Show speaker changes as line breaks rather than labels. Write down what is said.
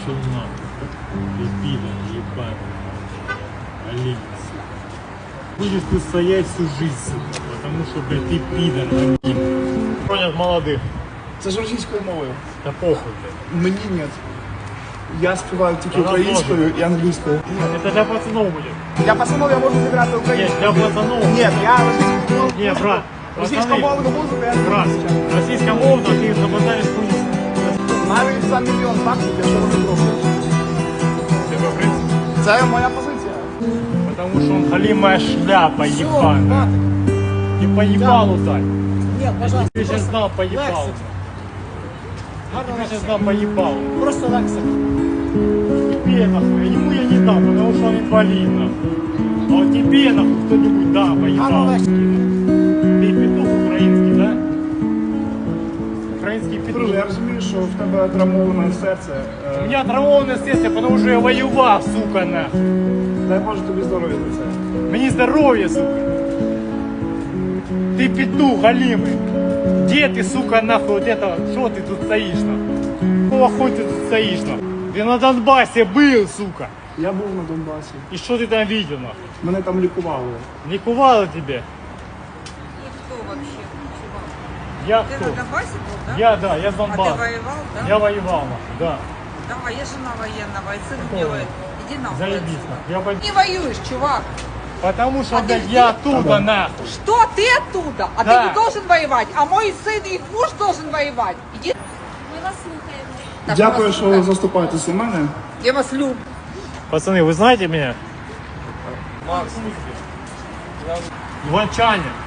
Пошел нахуй. Ты пидор, ебаный. Олень, сука. Будешь ты стоять всю жизнь, сука, потому что, блядь, ты пидор, Олень. Понял, молодых.
Це ж російською мовою.
Да похуй, блядь.
Мені ні. Я співаю тільки
Вона
українською і англійською.
Это для пацанов будет.
Для пацанов я можу зіграти
Нет,
українською.
для пацанов.
Ні, я російською мовою.
Не, брат.
Російськомовну музику я не
Брат,
вивчаю.
российская мова, ты замотаешь хуйню.
Навіть за мільйон баксів я цього не зроблю.
Тебе, в принципе.
Це моя позиція.
Потому что он халимая шляпа ебаная. И по ебалу дай.
Нет, пожалуйста.
Ты сейчас дал по ебалу. Ты сейчас дам по ебалу.
Просто Лекса.
Тебе нахуй, ему я не дам, потому что он инвалид нахуй. А вот тебе нахуй кто-нибудь да по ебалу. Ты петух украинский, да? Украинский петух.
Друже, я розумію, що в тебе травмоване серце.
У меня травмованное сердце, потому что я воевал, сука, нахуй.
Дай Боже тобі здоров'я за це.
Мне здоровье, сука. Ты петух голимый. Где ты, сука, нахуй, вот это, что ты тут стоишь, нахуй? Какого хуя ты тут стоишь, нахуй? Ты на Донбассе был, сука.
Я був на Донбасі.
И что ты там видел, нахуй?
Мене там лікували.
Ликовало тебе?
И кто вообще? Чувак?
Я
Ты
кто?
на Донбассе был, да?
Я с
А
Донбасса.
ты воевал, да?
Я воевал, нахуй, да.
Да, а я жена военного, и сын
Какого?
делает. Иди нахуй
Заебись,
отсюда.
нахуй. Я пойду.
Не воюешь, чувак.
Потому что,
А
блядь,
ты
я
где?
оттуда, нахуй.
Что ты оттуда? А
Да.
ты не должен воевать. А мой сын и их муж должен воевать. Иди.
Ми вас слухаємо.
Так,
Дякую,
вас
що
слухаю.
заступаєтесь у мене.
Я вас люблю.
Пацаны, вы знаете меня? Иван Чанин.